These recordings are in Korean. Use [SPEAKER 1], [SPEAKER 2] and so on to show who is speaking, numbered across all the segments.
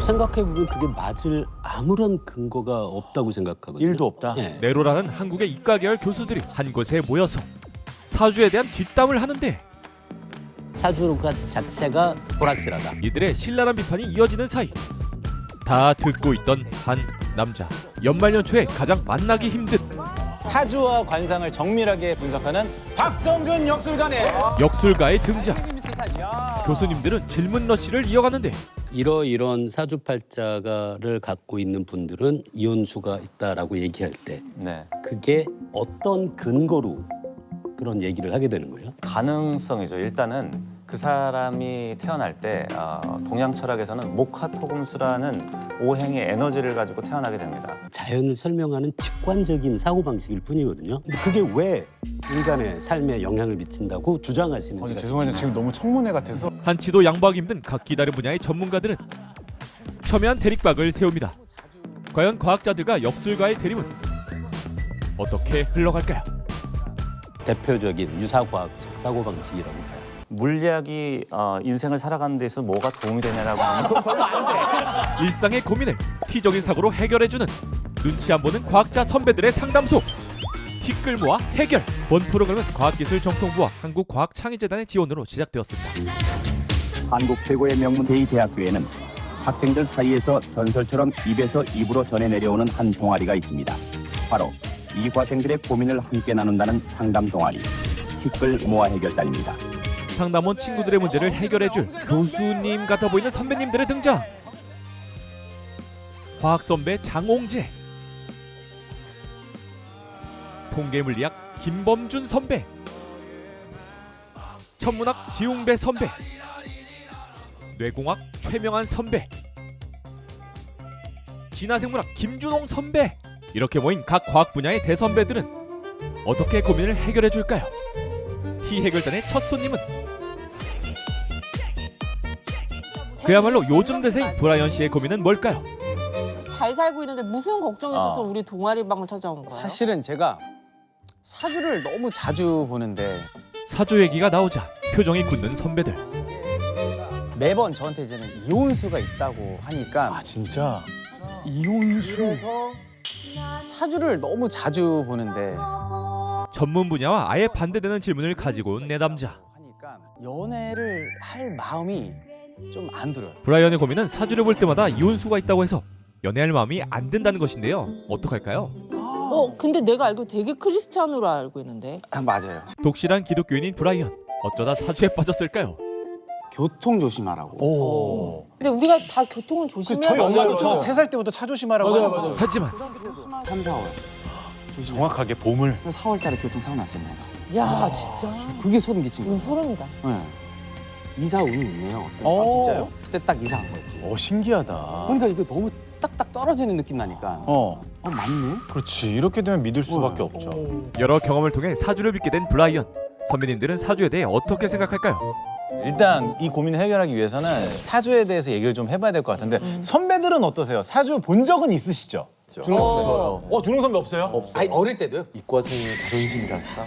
[SPEAKER 1] 생각해보면 그게 맞을 아무런 근거가 없다고 생각하거든요.
[SPEAKER 2] 일도 없다.
[SPEAKER 1] 예.
[SPEAKER 3] 네로라는 한국의 이과계열 교수들이 한 곳에 모여서 사주에 대한 뒷담을 하는데
[SPEAKER 1] 사주가 자체가 불확실하다.
[SPEAKER 3] 이들의 신랄한 비판이 이어지는 사이 다 듣고 있던 한 남자. 연말연초에 가장 만나기 힘든
[SPEAKER 2] 사주와 관상을 정밀하게 분석하는 박성준 역술가네.
[SPEAKER 3] 역술가의 등장. 교수님들은 질문 러시를 이어가는데
[SPEAKER 1] 이러이런 사주팔자를 갖고 있는 분들은 이혼수가 있다라고 얘기할 때
[SPEAKER 2] 네.
[SPEAKER 1] 그게 어떤 근거로 그런 얘기를 하게 되는 거예요?
[SPEAKER 4] 가능성이죠. 일단은 그 사람이 태어날 때 동양 철학에서는 목화토금수라는 오행의 에너지를 가지고 태어나게 됩니다.
[SPEAKER 1] 자연을 설명하는 직관적인 사고방식일 뿐이거든요. 근데 그게 왜 인간의 삶에 영향을 미친다고 주장하시는지.
[SPEAKER 2] 죄송한데 지금 너무 청문회 같아서.
[SPEAKER 3] 한치도 양보하기 힘든 각기 다른 분야의 전문가들은 첨예한 대립각을 세웁니다. 과연 과학자들과 역술가의 대립은 어떻게 흘러갈까요?
[SPEAKER 1] 대표적인 유사과학적 사고방식이라고 봐요.
[SPEAKER 4] 물리학이 인생을 살아가는 데 있어서 뭐가 도움이 되냐라고 하면
[SPEAKER 3] 일상의 고민을 티적인 사고로 해결해주는 눈치 안 보는 과학자 선배들의 상담소 티끌 모아 해결. 본 프로그램은 과학기술정통부와 한국과학창의재단의 지원으로 시작되었습니다.
[SPEAKER 5] 한국 최고의 명문 제2대학교에는 학생들 사이에서 전설처럼 입에서 입으로 전해 내려오는 한 동아리가 있습니다. 바로 이과생들의 고민을 함께 나눈다는 상담 동아리 티끌 모아 해결단입니다.
[SPEAKER 3] 상담원 친구들의 문제를 해결해줄 교수님 같아 보이는 선배님들의 등장. 과학 선배 장홍재, 통계물리학 김범준 선배, 천문학 지웅배 선배, 뇌공학 최명한 선배, 진화생물학 김준홍 선배. 이렇게 모인 각 과학 분야의 대선배들은 어떻게 고민을 해결해줄까요? T해결단의 첫 손님은 그야말로 요즘 대세인 브라이언 씨의 고민은 뭘까요?
[SPEAKER 6] 잘 살고 있는데 무슨 걱정이 있어서 우리 동아리방을 찾아온 거예요?
[SPEAKER 7] 사실은 제가 사주를 너무 자주 보는데
[SPEAKER 3] 사주 얘기가 나오자 표정이 굳는 선배들.
[SPEAKER 7] 매번 저한테 이제는 이혼수가 있다고 하니까
[SPEAKER 2] 진짜?
[SPEAKER 7] 그래서 사주를 너무 자주 보는데
[SPEAKER 3] 전문 분야와 아예 반대되는 질문을 가지고 온 내담자.
[SPEAKER 7] 하니까 연애를 할 마음이 좀 안 들어요.
[SPEAKER 3] 브라이언의 고민은 사주를 볼 때마다 이혼수가 있다고 해서 연애할 마음이 안 든다는 것인데요. 어떡할까요?
[SPEAKER 6] 근데 내가 알고 되게 크리스찬으로 알고 있는데.
[SPEAKER 7] 맞아요.
[SPEAKER 3] 독실한 기독교인인 브라이언. 어쩌다 사주에 빠졌을까요?
[SPEAKER 7] 교통 조심하라고.
[SPEAKER 2] 오.
[SPEAKER 6] 근데 우리가 다 교통은 조심해야
[SPEAKER 2] 저희
[SPEAKER 6] 돼요.
[SPEAKER 2] 엄마도 저 3살 때부터 차 조심하라고 하셨어요.
[SPEAKER 3] 하지만
[SPEAKER 7] 3, 4월.
[SPEAKER 2] 정확하게 봄을.
[SPEAKER 7] 4월 달에 교통사고 났잖아요.
[SPEAKER 6] 야 진짜.
[SPEAKER 7] 그게 소름 끼친
[SPEAKER 6] 이거
[SPEAKER 7] 거예요.
[SPEAKER 6] 소름이다.
[SPEAKER 7] 네. 이사 운이 있네요. 어때?
[SPEAKER 2] 진짜요?
[SPEAKER 7] 그때 딱 이사 간 거였지.
[SPEAKER 2] 신기하다.
[SPEAKER 7] 그러니까 이거 너무 딱딱 떨어지는 느낌 나니까 맞네?
[SPEAKER 2] 그렇지. 이렇게 되면 믿을 수밖에 없죠.
[SPEAKER 3] 여러 경험을 통해 사주를 믿게 된 브라이언. 선배님들은 사주에 대해 어떻게 생각할까요?
[SPEAKER 2] 일단 이 고민을 해결하기 위해서는 사주에 대해서 얘기를 좀 해봐야 될 것 같은데 선배들은 어떠세요? 사주 본 적은 있으시죠?
[SPEAKER 6] 준홍
[SPEAKER 2] 없어요. 준홍 선배 없어요? 없어요.
[SPEAKER 7] 아니 어릴 때도요?
[SPEAKER 8] 이과생의 자존심이랄까?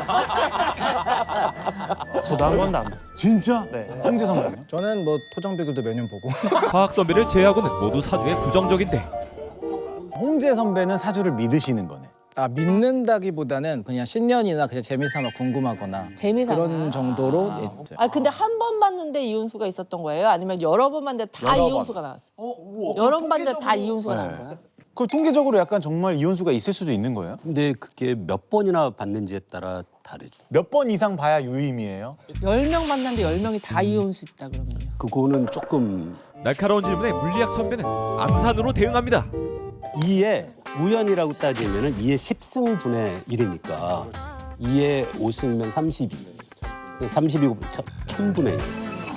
[SPEAKER 7] 저도 한 번도 안 봤어요.
[SPEAKER 2] 진짜?
[SPEAKER 7] 네.
[SPEAKER 2] 홍재 선배는?
[SPEAKER 9] 저는 뭐 토정비글도 몇 년 보고
[SPEAKER 3] 과학 선배를 제외하고는 모두 사주에 부정적인데
[SPEAKER 2] 홍재 선배는 사주를 믿으시는 거네.
[SPEAKER 9] 믿는다기보다는 그냥 신년이나 그냥 재미삼아 궁금하거나
[SPEAKER 6] 재미삼아.
[SPEAKER 9] 그런 정도로 이제
[SPEAKER 6] 근데 한 번 봤는데 이혼수가 있었던 거예요? 아니면 여러 번 봤는데 다 이혼수가 나왔어? 여러 번 봤는데 다 이혼수가 나온 거야?
[SPEAKER 2] 그걸 통계적으로 약간 정말 이혼수가 있을 수도 있는 거예요?
[SPEAKER 1] 근데 그게 몇 번이나 받는지에 따라 다르죠.
[SPEAKER 2] 몇 번 이상 봐야 유임이에요?
[SPEAKER 6] 10명 만났는데 10명이 다 이혼수 있다 그러면요.
[SPEAKER 1] 그거는 조금
[SPEAKER 3] 날카로운 질문에 물리학 선배는 암산으로 대응합니다.
[SPEAKER 1] 2의 우연이라고 따지면은 2의 10승분의 1이니까 2의 5승이면 32. 32고 1000분의 1.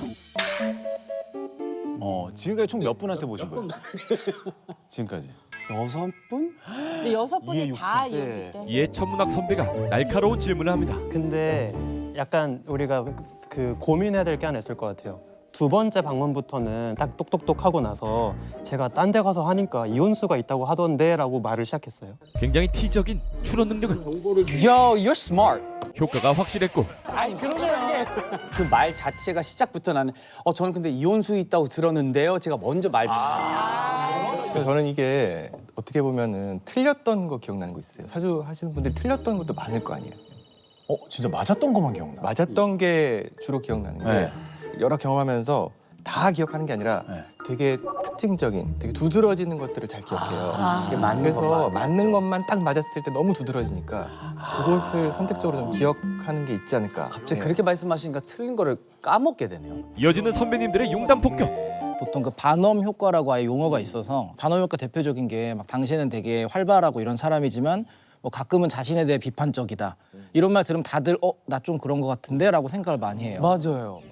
[SPEAKER 2] 지금까지 총 몇 분한테 보신 거예요? 지금까지.
[SPEAKER 7] 6분?
[SPEAKER 6] 근데 6분이 다
[SPEAKER 7] 육수.
[SPEAKER 6] 이혼수
[SPEAKER 7] 네.
[SPEAKER 6] 있대.
[SPEAKER 3] 이에 천문학 선배가 날카로운 질문을 합니다.
[SPEAKER 8] 근데 약간 우리가 그 고민해야 될 게 하나 있을 것 같아요. 두 번째 방문부터는 딱 똑똑똑 하고 나서 제가 딴 데 가서 하니까 이혼수가 있다고 하던데 라고 말을 시작했어요.
[SPEAKER 3] 굉장히 티적인 추론 능력은
[SPEAKER 7] Yo, you're smart.
[SPEAKER 3] 효과가 확실했고
[SPEAKER 7] 아니 그러면 그 말 자체가 시작부터 나는 저는 근데 이혼수 있다고 들었는데요. 제가 먼저 말.
[SPEAKER 10] 저는 이게 어떻게 보면은 틀렸던 거 기억나는 거 있어요. 사주 하시는 분들이 틀렸던 것도 많을 거 아니에요.
[SPEAKER 2] 진짜 맞았던 것만 기억나.
[SPEAKER 10] 맞았던 게 주로 기억나는 게
[SPEAKER 2] 네.
[SPEAKER 10] 여러 경험하면서 다 기억하는 게 아니라
[SPEAKER 2] 네.
[SPEAKER 10] 되게 특징적인, 되게 두드러지는 것들을 잘 기억해요.
[SPEAKER 7] 이게 맞는
[SPEAKER 10] 그래서
[SPEAKER 7] 것만.
[SPEAKER 10] 맞는 것만 딱 맞았을 때 너무 두드러지니까 그것을 선택적으로 좀 기억하는 게 있지 않을까.
[SPEAKER 7] 갑자기
[SPEAKER 10] 네.
[SPEAKER 7] 그렇게 말씀하시니까 틀린 거를 까먹게 되네요.
[SPEAKER 3] 이어지는 선배님들의 용담 폭격.
[SPEAKER 9] 보통 그 반엄 효과라고 아예 용어가 있어서 반엄 효과 대표적인 게 막 당신은 되게 활발하고 이런 사람이지만 뭐 가끔은 자신에 대해 비판적이다. 이런 말 들으면 다들 나 좀 그런 것 같은데라고 생각을 많이 해요.
[SPEAKER 7] 맞아요.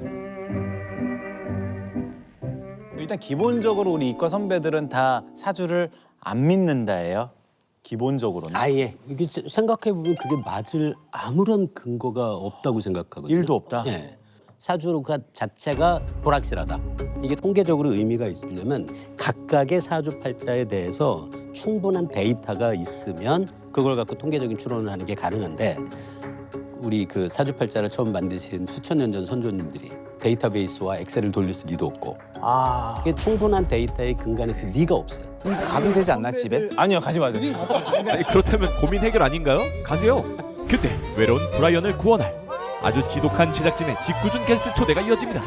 [SPEAKER 2] 일단 기본적으로 우리 이과 선배들은 다 사주를 안 믿는다예요. 기본적으로는.
[SPEAKER 7] 아예.
[SPEAKER 1] 이게 생각해 보면 그게 맞을 아무런 근거가 없다고 생각하거든요.
[SPEAKER 2] 일도 없다?
[SPEAKER 1] 예. 사주가 자체가 불확실하다. 이게 통계적으로 의미가 있으려면 각각의 사주팔자에 대해서 충분한 데이터가 있으면 그걸 갖고 통계적인 추론을 하는 게 가능한데 우리 그 사주팔자를 처음 만드신 수천 년 전 선조님들이 데이터베이스와 엑셀을 돌릴 리도 없고 이게 충분한 데이터의 근간에서 리가 없어요.
[SPEAKER 7] 가도 되지 않나 집에?
[SPEAKER 2] 아니요, 가지 마세요.
[SPEAKER 3] 아니, 그렇다면 고민 해결 아닌가요? 가세요. 그때 외로운 브라이언을 구원할 아주 지독한 제작진의 짓궂은 게스트 초대가 이어집니다.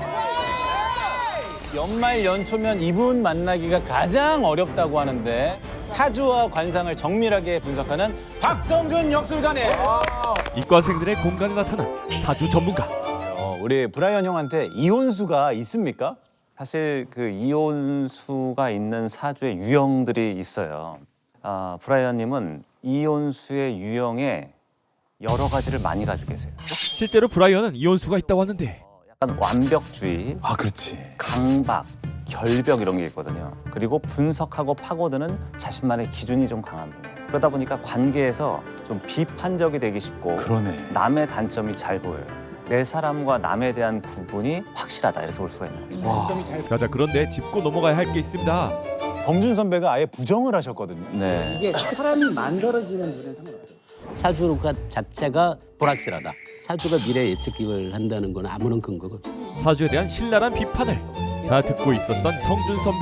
[SPEAKER 2] 연말 연초면 이분 만나기가 가장 어렵다고 하는데 사주와 관상을 정밀하게 분석하는 박성준 역술가네.
[SPEAKER 3] 이과생들의 공간에 나타난 사주 전문가.
[SPEAKER 2] 우리 브라이언 형한테 이혼수가 있습니까?
[SPEAKER 4] 사실 그 이혼수가 있는 사주의 유형들이 있어요. 브라이언님은 이혼수의 유형에 여러 가지를 많이 가지고 계세요.
[SPEAKER 3] 실제로 브라이언은 이혼수가 있다고 하는데
[SPEAKER 4] 약간 완벽주의,
[SPEAKER 2] 그렇지.
[SPEAKER 4] 강박, 결벽 이런 게 있거든요. 그리고 분석하고 파고드는 자신만의 기준이 좀 강한 분이에요. 그러다 보니까 관계에서 좀 비판적이 되기 쉽고
[SPEAKER 2] 그러네.
[SPEAKER 4] 남의 단점이 잘 보여요. 내 사람과 남에 대한 구분이 확실하다 이렇게 볼 수가 있는 거죠.
[SPEAKER 3] 자자 그런데 짚고 넘어가야 할 게 있습니다.
[SPEAKER 2] 범준 선배가 아예 부정을 하셨거든요.
[SPEAKER 4] 네.
[SPEAKER 7] 이게 사람이 만들어지는 눈에 상관없어요.
[SPEAKER 1] 사주가 자체가 불확실하다. 사주가 미래 예측을 한다는 건 아무런 근거가 없어요.
[SPEAKER 3] 사주에 대한 신랄한 비판을 다 듣고 있었던 성준 선배.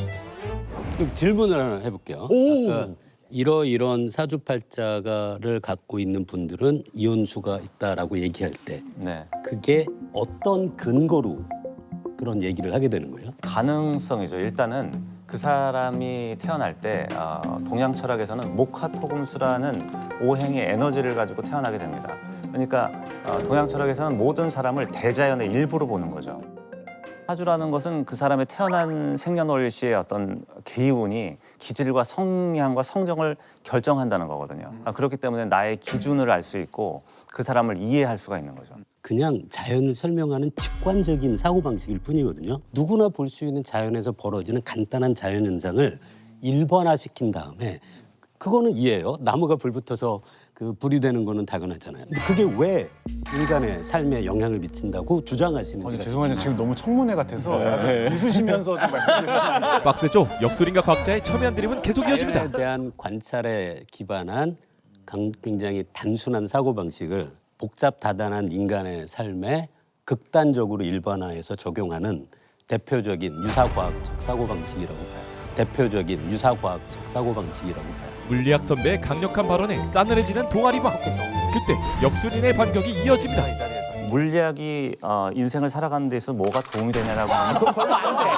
[SPEAKER 1] 그럼 질문을 하나 해볼게요. 아까 이런 사주팔자를 갖고 있는 분들은 이혼수가 있다라고 얘기할 때
[SPEAKER 4] 네.
[SPEAKER 1] 그게 어떤 근거로 그런 얘기를 하게 되는 거예요?
[SPEAKER 4] 가능성이죠. 일단은 그 사람이 태어날 때 동양 철학에서는 목화토금수라는 오행의 에너지를 가지고 태어나게 됩니다. 그러니까 동양 철학에서는 모든 사람을 대자연의 일부로 보는 거죠. 사주라는 것은 그 사람의 태어난 생년월일시의 어떤 기운이 기질과 성향과 성정을 결정한다는 거거든요. 그렇기 때문에 나의 기준을 알 수 있고 그 사람을 이해할 수가 있는 거죠.
[SPEAKER 1] 그냥 자연을 설명하는 직관적인 사고방식일 뿐이거든요. 누구나 볼 수 있는 자연에서 벌어지는 간단한 자연현상을 일반화시킨 다음에 그거는 이해해요. 나무가 불 붙어서 그 불이 되는 거는 당연하잖아요. 근데 그게 왜 인간의 삶에 영향을 미친다고 주장하시는지.
[SPEAKER 2] 죄송한데 지금 너무 청문회 같아서 웃으시면서 좀 말씀해 주시면.
[SPEAKER 3] 빡세죠? 역술인과 과학자의 첨예한 드림은 계속 이어집니다.
[SPEAKER 1] 자연에 대한 관찰에 기반한 굉장히 단순한 사고방식을 복잡 다단한 인간의 삶에 극단적으로 일반화해서 적용하는 대표적인 유사과학적 사고방식이라고 봐요. 대표적인 유사과학적 사고방식이라고 봐요.
[SPEAKER 3] 물리학 선배의 강력한 발언에 싸늘해지는 동아리방. 그때 역술인의 반격이 이어집니다.
[SPEAKER 4] 물리학이 인생을 살아가는 데 있어서 뭐가 도움이 되냐라고 하면 그건 별로 안 돼.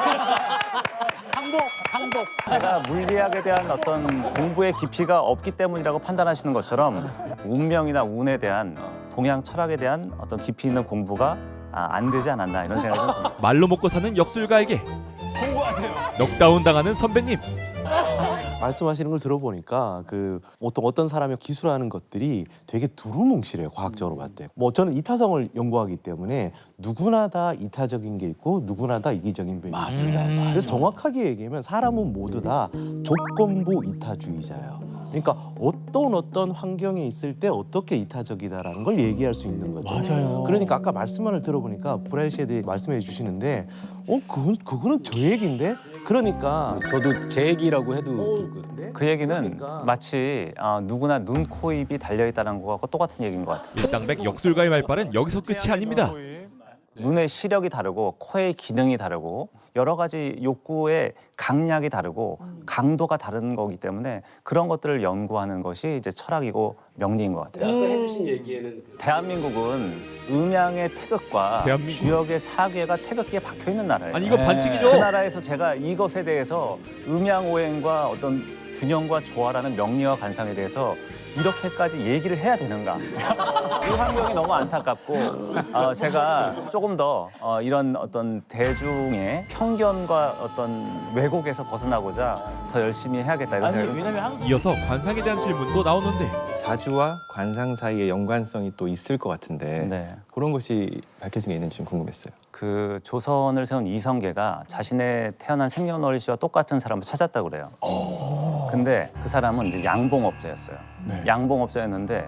[SPEAKER 4] 항복. 제가 물리학에 대한 어떤 공부의 깊이가 없기 때문이라고 판단하시는 것처럼 운명이나 운에 대한 동양 철학에 대한 어떤 깊이 있는 공부가 안 되지 않았나 이런 생각이 듭니다.
[SPEAKER 3] 말로 먹고 사는 역술가에게
[SPEAKER 2] 공부하세요.
[SPEAKER 3] 넉다운 당하는 선배님.
[SPEAKER 11] 말씀하시는 걸 들어보니까 그 보통 어떤 사람이 기술하는 것들이 되게 두루뭉실해요. 과학적으로 봤을 때. 뭐 저는 이타성을 연구하기 때문에 누구나 다 이타적인 게 있고 누구나 다 이기적인 면이 있습니다. 그래서 정확하게 얘기하면 사람은 모두 다 조건부 이타주의자예요. 그러니까 어떤 환경에 있을 때 어떻게 이타적이다라는 걸 얘기할 수 있는 거죠.
[SPEAKER 2] 맞아요.
[SPEAKER 11] 그러니까 아까 말씀을 들어보니까 브라이 씨에 대해 말씀해 주시는데 그거는 저 얘기인데 그러니까
[SPEAKER 9] 저도 제 얘기라고 해도
[SPEAKER 4] 그 얘기는
[SPEAKER 11] 그러니까.
[SPEAKER 4] 마치 누구나 눈, 코, 입이 달려있다는 거하고 똑같은 얘기인 것 같아요.
[SPEAKER 3] 일당백 역술가의 말발은 여기서 끝이 아닙니다.
[SPEAKER 4] 눈의 시력이 다르고 코의 기능이 다르고 여러 가지 욕구의 강약이 다르고 강도가 다른 거기 때문에 그런 것들을 연구하는 것이 이제 철학이고 명리인 것 같아요.
[SPEAKER 1] 아까 해주신 얘기에는
[SPEAKER 4] 대한민국은 음양의 태극과
[SPEAKER 3] 대한민국?
[SPEAKER 4] 주역의 사괴가 태극기에 박혀 있는 나라예요.
[SPEAKER 3] 아니 이거 반칙이죠.
[SPEAKER 4] 그 나라에서 제가 이것에 대해서 음양오행과 어떤 균형과 조화라는 명리와 관상에 대해서 이렇게까지 얘기를 해야 되는가? 이 환경이 너무 안타깝고 제가 조금 더 이런 어떤 대중의 편견과 어떤 왜곡에서 벗어나고자 더 열심히 해야겠다 이런 생각이 듭니다.
[SPEAKER 3] 이어서 관상에 대한 질문도 나오는데
[SPEAKER 10] 사주와 관상 사이의 연관성이 또 있을 것 같은데
[SPEAKER 4] 네.
[SPEAKER 10] 그런 것이 밝혀진 게 있는지 좀 궁금했어요.
[SPEAKER 4] 그 조선을 세운 이성계가 자신의 태어난 생년월일씨와 똑같은 사람을 찾았다고 그래요. 근데 그 사람은 이제 양봉업자였어요. 양봉업자였는데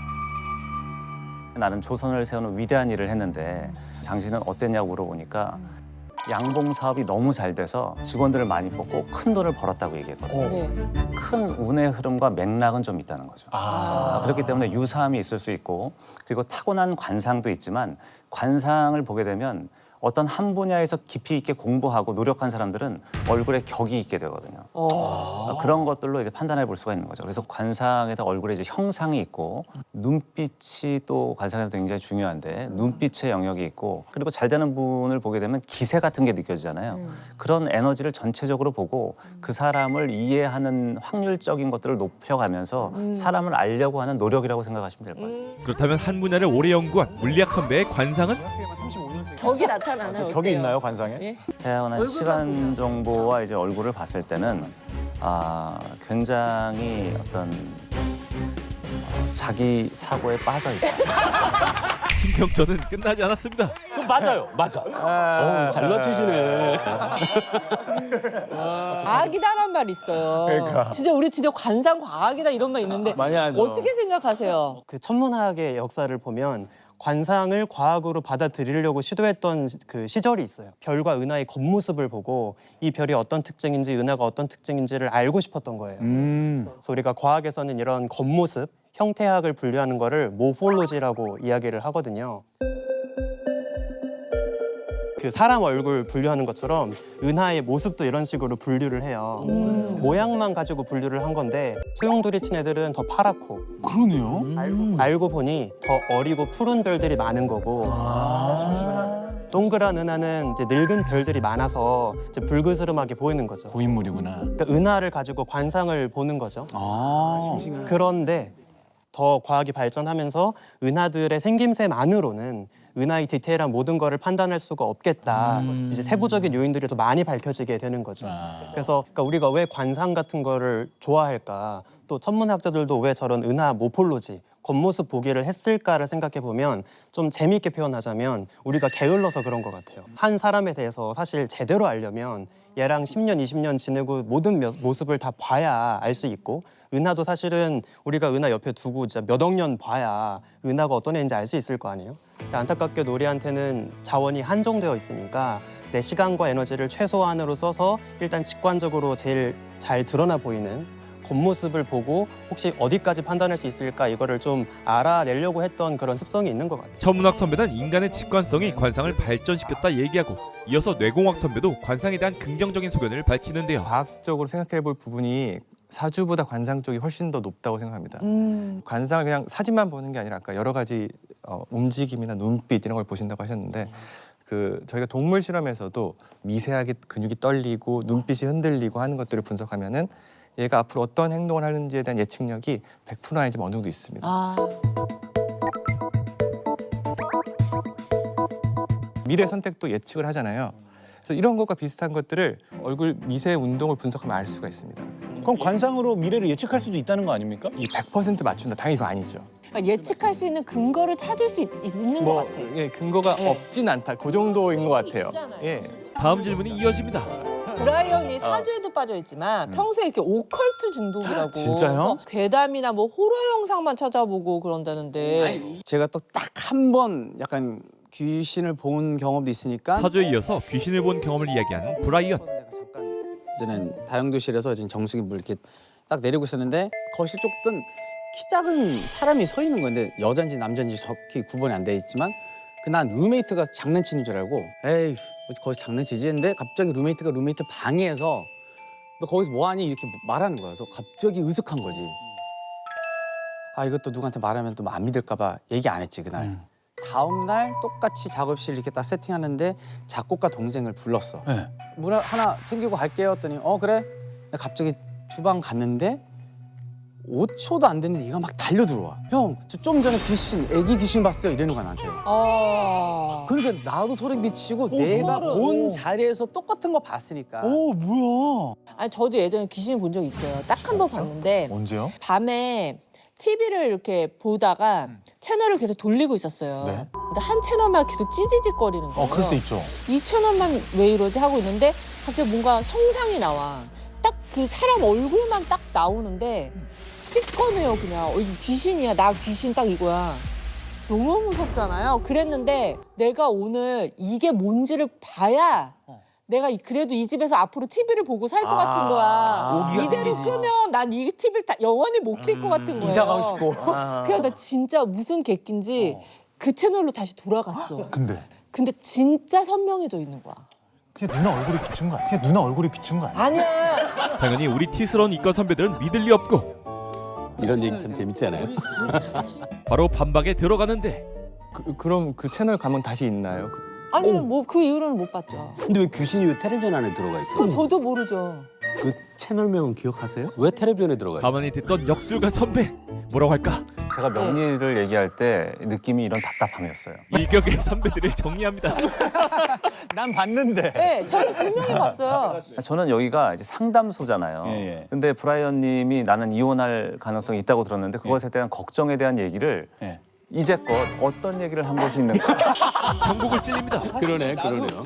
[SPEAKER 4] 나는 조선을 세우는 위대한 일을 했는데 당신은 어땠냐고 물어보니까 양봉 사업이 너무 잘 돼서 직원들을 많이 뽑고 큰 돈을 벌었다고 얘기했거든요.
[SPEAKER 6] 네.
[SPEAKER 4] 큰 운의 흐름과 맥락은 좀 있다는 거죠. 그렇기 때문에 유사함이 있을 수 있고 그리고 타고난 관상도 있지만 관상을 보게 되면 어떤 한 분야에서 깊이 있게 공부하고 노력한 사람들은 얼굴에 격이 있게 되거든요. 그런 것들로 이제 판단해 볼 수가 있는 거죠. 그래서 관상에서 얼굴에 이제 형상이 있고 눈빛이 또 관상에서 굉장히 중요한데 눈빛의 영역이 있고 그리고 잘 되는 분을 보게 되면 기세 같은 게 느껴지잖아요. 그런 에너지를 전체적으로 보고 그 사람을 이해하는 확률적인 것들을 높여가면서 사람을 알려고 하는 노력이라고 생각하시면 될 것 같아요.
[SPEAKER 3] 그렇다면 한 분야를 오래 연구한 물리학 선배의 관상은?
[SPEAKER 6] 격이 나타나나요?
[SPEAKER 2] 격이
[SPEAKER 6] 어때요?
[SPEAKER 2] 있나요 관상에?
[SPEAKER 6] 예?
[SPEAKER 4] 태어난 시간 정보와 이제 얼굴을 봤을 때는 굉장히 어떤 자기 사고에 빠져 있다.
[SPEAKER 3] 신경전은 끝나지 않았습니다.
[SPEAKER 1] 맞아요, 맞아. 잘 맞추시네.
[SPEAKER 6] 과학이다란 말 있어요.
[SPEAKER 2] 그러니까.
[SPEAKER 6] 진짜 우리 진짜 관상 과학이다 이런 말 있는데
[SPEAKER 2] 많이 하죠.
[SPEAKER 6] 어떻게 생각하세요?
[SPEAKER 8] 그 천문학의 역사를 보면 관상을 과학으로 받아들이려고 시도했던 그 시절이 있어요. 별과 은하의 겉모습을 보고 이 별이 어떤 특징인지 은하가 어떤 특징인지를 알고 싶었던 거예요. 그래서 우리가 과학에서는 이런 겉모습, 형태학을 분류하는 거를 모폴로지라고 이야기를 하거든요. 그 사람 얼굴 분류하는 것처럼 은하의 모습도 이런 식으로 분류를 해요. 모양만 가지고 분류를 한 건데 소용돌이 친 애들은 더 파랗고
[SPEAKER 2] 그러네요.
[SPEAKER 8] 알고 보니 더 어리고 푸른 별들이 많은 거고 동그란 은하는 이제 늙은 별들이 많아서 이제 불그스름하게 보이는 거죠.
[SPEAKER 2] 고인물이구나.
[SPEAKER 8] 그러니까 은하를 가지고 관상을 보는 거죠. 그런데 더 과학이 발전하면서 은하들의 생김새만으로는 은하의 디테일한 모든 거를 판단할 수가 없겠다. 이제 세부적인 요인들이 더 많이 밝혀지게 되는 거죠. 그래서 그러니까 우리가 왜 관상 같은 거를 좋아할까? 또 천문학자들도 왜 저런 은하 모폴로지, 겉모습 보기를 했을까를 생각해 보면 좀 재미있게 표현하자면 우리가 게을러서 그런 것 같아요. 한 사람에 대해서 사실 제대로 알려면 얘랑 10년, 20년 지내고 모든 모습을 다 봐야 알 수 있고 은하도 사실은 우리가 은하 옆에 두고 진짜 몇 억 년 봐야 은하가 어떤 애인지 알 수 있을 거 아니에요? 근데 안타깝게도 우리한테는 자원이 한정되어 있으니까 내 시간과 에너지를 최소한으로 써서 일단 직관적으로 제일 잘 드러나 보이는 겉모습을 보고 혹시 어디까지 판단할 수 있을까 이거를 좀 알아내려고 했던 그런 습성이 있는 것 같아요.
[SPEAKER 3] 천문학 선배는 인간의 직관성이 관상을 발전시켰다 얘기하고 이어서 뇌공학 선배도 관상에 대한 긍정적인 소견을 밝히는데요.
[SPEAKER 10] 과학적으로 생각해 볼 부분이 사주보다 관상 쪽이 훨씬 더 높다고 생각합니다. 관상을 그냥 사진만 보는 게 아니라 아까 여러 가지 움직임이나 눈빛 이런 걸 보신다고 하셨는데 그 저희가 동물 실험에서도 미세하게 근육이 떨리고 눈빛이 흔들리고 하는 것들을 분석하면은 얘가 앞으로 어떤 행동을 하는지에 대한 예측력이 100% 아니지만 어느 정도 있습니다. 미래 선택도 예측을 하잖아요. 그래서 이런 것과 비슷한 것들을 얼굴 미세 운동을 분석하면 알 수가 있습니다.
[SPEAKER 2] 그럼 관상으로 미래를 예측할 수도 있다는 거 아닙니까?
[SPEAKER 10] 이 100% 맞춘다. 당연히 그거 아니죠.
[SPEAKER 6] 그러니까 예측할 수 있는 근거를 찾을 수 있는 것 같아요.
[SPEAKER 10] 예, 근거가
[SPEAKER 6] 네.
[SPEAKER 10] 없진 않다. 그 정도인 것 같아요.
[SPEAKER 6] 있잖아요.
[SPEAKER 10] 예.
[SPEAKER 3] 다음 질문이 이어집니다.
[SPEAKER 6] 브라이언이 사주에도 빠져있지만 평소에 이렇게 오컬트 중독이라고.
[SPEAKER 2] 진짜요?
[SPEAKER 6] 그래서 괴담이나 뭐 호러 영상만 찾아보고 그런다는데.
[SPEAKER 7] 제가 또 딱 한 번 약간 귀신을 본 경험도 있으니까
[SPEAKER 3] 사주에 이어서 귀신을 본 경험을 이야기하는 브라이언.
[SPEAKER 7] 이제는 다용도실에서 지금 정수기 물 이렇게 딱 내리고 있었는데 거실 쪽은 키 작은 사람이 서 있는 건데 여잔지 남잔지 정확히 구분이 안 돼 있지만 난 룸메이트가 장난치는 줄 알고 에이 거기서 장난치지 했는데 갑자기 룸메이트가 룸메이트 방에서 너 거기서 뭐하니 이렇게 말하는 거야. 그래서 갑자기 으슥한 거지. 아 이것도 누구한테 말하면 또 안 믿을까 봐 얘기 안 했지 그날. 다음 날 똑같이 작업실 이렇게 딱 세팅하는데 작곡가 동생을 불렀어.
[SPEAKER 2] 네.
[SPEAKER 7] 물 하나 챙기고 갈게요 했더니 그래. 갑자기 주방 갔는데 5초도 안 됐는데 얘가 막 달려 들어와. 형, 저 좀 전에 귀신, 애기 귀신 봤어요. 이러는 거야 나한테. 그러니까 나도 소름 끼치고 내가
[SPEAKER 6] 소름.
[SPEAKER 7] 본 자리에서 똑같은 거 봤으니까.
[SPEAKER 2] 뭐야?
[SPEAKER 6] 아니 저도 예전에 귀신 본 적 있어요. 딱 한 번 봤는데
[SPEAKER 2] 언제요?
[SPEAKER 6] 밤에 TV를 이렇게 보다가 채널을 계속 돌리고 있었어요.
[SPEAKER 2] 네.
[SPEAKER 6] 근데 한 채널만 계속 찌지직거리는 거예요.
[SPEAKER 2] 그럴 때 있죠.
[SPEAKER 6] 이 채널만 왜 이러지 하고 있는데 갑자기 뭔가 형상이 나와. 딱 그 사람 얼굴만 딱 나오는데 씻거네요 그냥. 이게 귀신이야. 나 귀신 딱 이거야. 너무 무섭잖아요. 그랬는데 내가 오늘 이게 뭔지를 봐야 내가 그래도 이 집에서 앞으로 TV를 보고 살 것 같은 거야. 이대로 끄면 난 이 TV를 영원히 못 킬 것 같은 거예요.
[SPEAKER 7] 이사 가고 싶고.
[SPEAKER 6] 그래서 나 진짜 무슨 객기인지 그 채널로 다시 돌아갔어. 근데 진짜 선명해져 있는 거야.
[SPEAKER 2] 그게 누나 얼굴이 비친 거 아니야? 그게 누나 얼굴이 비친 거 아니야?
[SPEAKER 6] 아니야.
[SPEAKER 3] 당연히 우리 티스러운 이과 선배들은 믿을 리 없고
[SPEAKER 1] 이런 얘기 참 재밌잖아요.
[SPEAKER 3] 바로 반박에 들어가는데
[SPEAKER 10] 그럼 그 채널 가면 다시 있나요?
[SPEAKER 6] 아니 뭐 그 이후로는 못 봤죠.
[SPEAKER 1] 근데 왜 귀신이 왜 텔레비전 안에 들어가 있어요?
[SPEAKER 6] 저도 모르죠.
[SPEAKER 11] 그 채널명은 기억하세요?
[SPEAKER 1] 왜 텔레비전에 들어가 있어요?
[SPEAKER 3] 가만히 듣던 역술가 선배 뭐라고 할까?
[SPEAKER 4] 제가 명리를 얘기할 때 느낌이 이런 답답함이었어요.
[SPEAKER 3] 일격의 선배들을 정리합니다.
[SPEAKER 7] 난 봤는데.
[SPEAKER 6] 네, 저는 분명히 봤어요.
[SPEAKER 4] 저는 여기가 이제 상담소잖아요.
[SPEAKER 2] 예.
[SPEAKER 4] 근데 브라이언 님이 나는 이혼할 가능성이 있다고 들었는데 그것에 대한 걱정에 대한 얘기를
[SPEAKER 2] 예.
[SPEAKER 4] 이제껏 어떤 얘기를 한 것이 있는가.
[SPEAKER 3] 전국을 찔립니다.
[SPEAKER 1] 그러네요.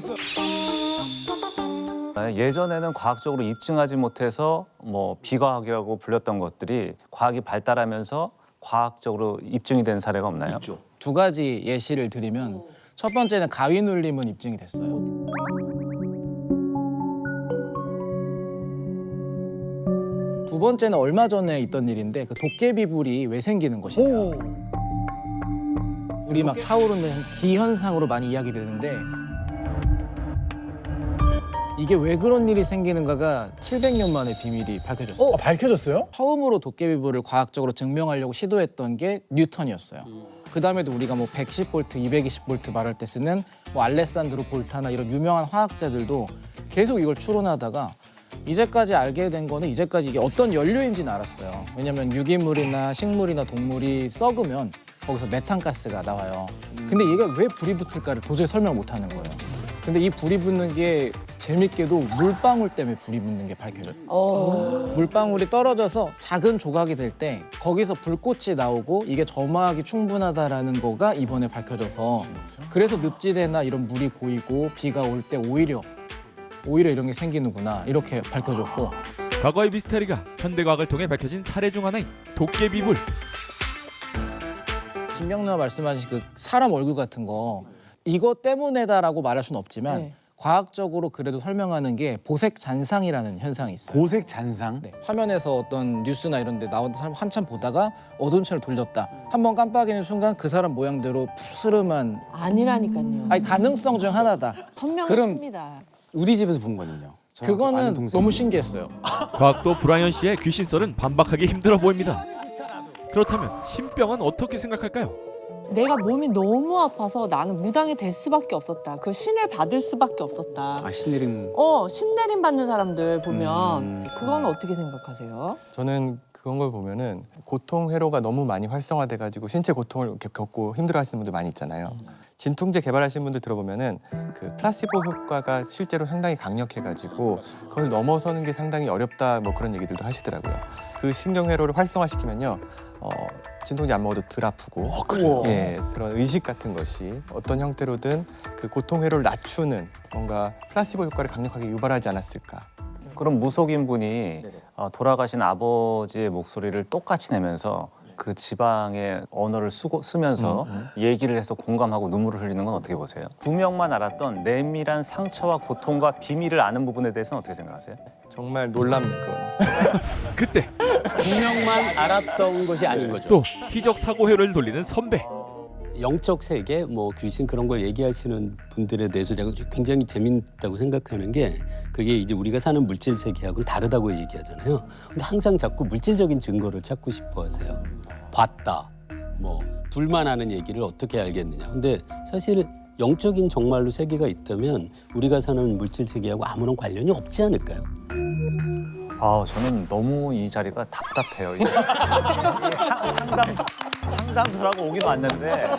[SPEAKER 4] 예전에는 과학적으로 입증하지 못해서 뭐 비과학이라고 불렸던 것들이 과학이 발달하면서 과학적으로 입증이 된 사례가 없나요?
[SPEAKER 1] 있죠.
[SPEAKER 9] 두 가지 예시를 드리면 첫 번째는 가위 눌림은 입증이 됐어요. 두 번째는 얼마 전에 있던 일인데 그 도깨비불이 왜 생기는 것이냐. 우리 막 차오르는 기현상으로 많이 이야기되는데 이게 왜 그런 일이 생기는가가 700년 만에 비밀이 밝혀졌어요.
[SPEAKER 2] 밝혀졌어요?
[SPEAKER 9] 처음으로 도깨비불을 과학적으로 증명하려고 시도했던 게 뉴턴이었어요. 그 다음에도 우리가 뭐 110V, 220V 말할 때 쓰는 뭐 알레산드로 볼타나 이런 유명한 화학자들도 계속 이걸 추론하다가 이제까지 알게 된 거는 이제까지 이게 어떤 연료인지는 알았어요. 왜냐면 유기물이나 식물이나 동물이 썩으면 거기서 메탄가스가 나와요. 근데 얘가 왜 불이 붙을까를 도저히 설명 못 하는 거예요. 근데 이 불이 붙는 게 재밌게도 물방울 때문에 불이 붙는 게 밝혀져요. 물방울이 떨어져서 작은 조각이 될 때 거기서 불꽃이 나오고 이게 점화하기 충분하다라는 거가 이번에 밝혀져서 그래서 늪지대나 이런 물이 고이고 비가 올 때 오히려 이런 게 생기는구나 이렇게 밝혀졌고
[SPEAKER 3] 과거의 미스테리가 현대과학을 통해 밝혀진 사례 중 하나인 도깨비불.
[SPEAKER 9] 김명래가 말씀하신 그 사람 얼굴 같은 거 이거 때문에다라고 말할 수는 없지만
[SPEAKER 6] 네.
[SPEAKER 9] 과학적으로 그래도 설명하는 게 보색 잔상이라는 현상이 있어요.
[SPEAKER 2] 보색 잔상?
[SPEAKER 9] 네, 화면에서 어떤 뉴스나 이런 데 나온 사람 한참 보다가 어두운 채로 돌렸다. 한번 깜빡이는 순간 그 사람 모양대로 푸스름한
[SPEAKER 6] 아니라니까요.
[SPEAKER 9] 아니 가능성 중 하나다.
[SPEAKER 6] 선명했습니다.
[SPEAKER 7] 우리 집에서 본 거는요. 저하고 아는
[SPEAKER 9] 그거는
[SPEAKER 7] 동생이.
[SPEAKER 9] 너무 신기했어요.
[SPEAKER 3] 과학도 브라이언 씨의 귀신 썰은 반박하기 힘들어 보입니다. 그렇다면 신병은 어떻게 생각할까요?
[SPEAKER 6] 내가 몸이 너무 아파서 나는 무당이 될 수밖에 없었다. 그 신을 받을 수밖에 없었다.
[SPEAKER 7] 아 신내림.
[SPEAKER 6] 신내림 받는 사람들 보면 그건 어떻게 생각하세요?
[SPEAKER 10] 저는 그런 걸 보면은 고통 회로가 너무 많이 활성화돼가지고 신체 고통을 겪고 힘들어하시는 분들 많이 있잖아요. 진통제 개발하신 분들 들어보면은 그 플라시보 효과가 실제로 상당히 강력해가지고 그걸 넘어서는 게 상당히 어렵다 뭐 그런 얘기들도 하시더라고요. 그 신경회로를 활성화시키면요, 진통제 안 먹어도 덜 아프고, 예, 그런 의식 같은 것이 어떤 형태로든 그 고통 회로를 낮추는 뭔가 플라시보 효과를 강력하게 유발하지 않았을까.
[SPEAKER 4] 그럼 무속인 분이 돌아가신 아버지의 목소리를 똑같이 내면서 그 지방의 언어를 쓰면서 얘기를 해서 공감하고 눈물을 흘리는 건 어떻게 보세요? 두 명만 알았던 내밀한 상처와 고통과 비밀을 아는 부분에 대해서는 어떻게 생각하세요?
[SPEAKER 10] 정말 놀랍건.
[SPEAKER 3] 그때
[SPEAKER 1] 두 명만 알았던 것이 아닌 거죠.
[SPEAKER 3] 또 기적 사고 회로를 돌리는 선배.
[SPEAKER 1] 영적 세계, 뭐 귀신 그런 걸 얘기하시는 분들에 대해서 제가 굉장히 재밌다고 생각하는 게 그게 이제 우리가 사는 물질 세계하고는 다르다고 얘기하잖아요. 근데 항상 자꾸 물질적인 증거를 찾고 싶어 하세요. 봤다, 뭐 둘만 아는 얘기를 어떻게 알겠느냐. 근데 사실 영적인 정말로 세계가 있다면 우리가 사는 물질 세계하고 아무런 관련이 없지 않을까요?
[SPEAKER 4] 저는 너무 이 자리가 답답해요. 상담소라고 오긴 왔는데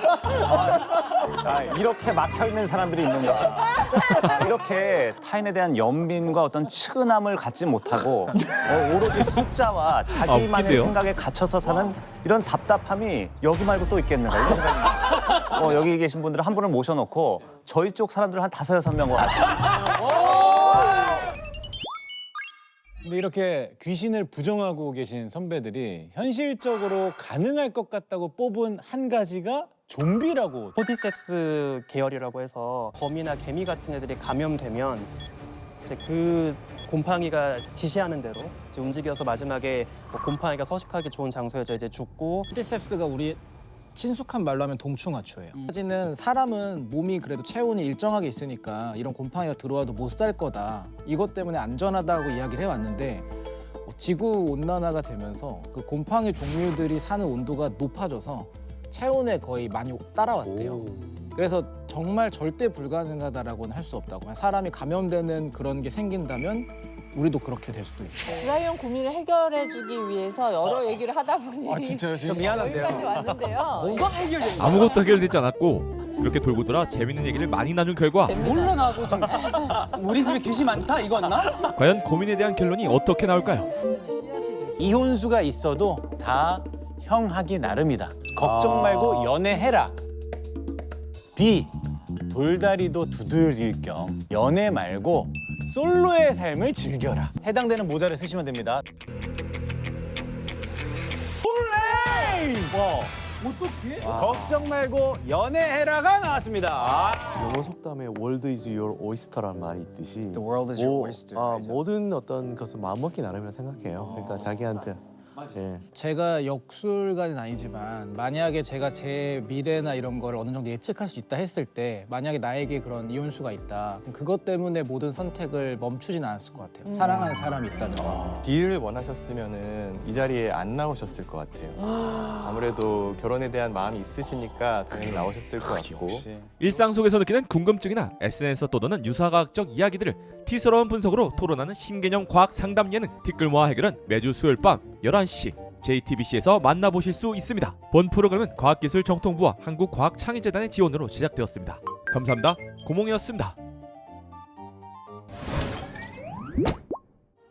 [SPEAKER 4] 이렇게 막혀 있는 사람들이 있는가? 이렇게 타인에 대한 연민과 어떤 측은함을 갖지 못하고 오로지 숫자와 자기만의
[SPEAKER 3] 웃긴데요?
[SPEAKER 4] 생각에 갇혀서 사는 이런 답답함이 여기 말고 또 있겠는가? 이런 생각이 여기 계신 분들 한 분을 모셔놓고 저희 쪽 사람들 한 5-6명 같아요.
[SPEAKER 2] 근데 이렇게 귀신을 부정하고 계신 선배들이 현실적으로 가능할 것 같다고 뽑은 한 가지가 좀비라고.
[SPEAKER 8] 포디셉스 계열이라고 해서 거미나 개미 같은 애들이 감염되면 이제 그 곰팡이가 지시하는 대로 이제 움직여서 마지막에 뭐 곰팡이가 서식하기 좋은 장소에서 이제 죽고.
[SPEAKER 9] 포티셉스가 우리 친숙한 말로 하면 동충하초예요. 사실은 사람은 몸이 그래도 체온이 일정하게 있으니까 이런 곰팡이가 들어와도 못 살 거다. 이것 때문에 안전하다고 이야기를 해왔는데 지구 온난화가 되면서 그 곰팡이 종류들이 사는 온도가 높아져서 체온에 거의 많이 따라왔대요. 그래서 정말 절대 불가능하다라고는 할 수 없다고. 사람이 감염되는 그런 게 생긴다면 우리도 그렇게 될 수도 있고.
[SPEAKER 6] 브라이언 고민을 해결해주기 위해서 여러 얘기를 하다 보니
[SPEAKER 2] 진짜요?
[SPEAKER 9] 저 미안한데요.
[SPEAKER 6] 여기까지 왔는데요.
[SPEAKER 9] 뭔가 해결된 거야.
[SPEAKER 3] 아무것도 해결되지 않았고 이렇게 돌고 돌아 재밌는 얘기를 많이 나눈 결과
[SPEAKER 9] 몰라 나도 지금 우리 집에 귀신 많다 이거였나?
[SPEAKER 3] 과연 고민에 대한 결론이 어떻게 나올까요?
[SPEAKER 2] 이혼수가 있어도 다 형하기 나름이다. 걱정 말고 연애해라. B. 돌다리도 두드릴 겸 연애 말고 솔로의 삶을 즐겨라. 해당되는 모자를 쓰시면 됩니다. 홀레이! 어떻게? 걱정 말고 연애해라가 나왔습니다.
[SPEAKER 11] 영어 속담에 "World is your oyster라는 말이 있듯이
[SPEAKER 7] The world is your oyster.
[SPEAKER 11] 모든 어떤 것은 마음먹기 나름이라 생각해요. 그러니까 자기한테
[SPEAKER 9] 제가 역술가는 아니지만 만약에 제가 제 미래나 이런 걸 어느 정도 예측할 수 있다 했을 때 만약에 나에게 그런 이혼수가 있다 그럼 그것 때문에 모든 선택을 멈추진 않았을 것 같아요. 사랑하는 사람이 있다면.
[SPEAKER 10] B를 원하셨으면은 이 자리에 안 나오셨을 것 같아요. 아무래도 결혼에 대한 마음이 있으시니까 당연히 나오셨을 것 같고.
[SPEAKER 3] 일상 속에서 느끼는 궁금증이나 SNS에서 떠도는 유사과학적 이야기들을 티스러운 분석으로 토론하는 신개념 과학 상담 예능 티끌 모아 해결은 매주 수요일 밤 11시 JTBC에서 만나보실 수 있습니다. 본 프로그램은 과학기술정통부와 한국과학창의재단의 지원으로 제작되었습니다. 감사합니다. 고몽이었습니다.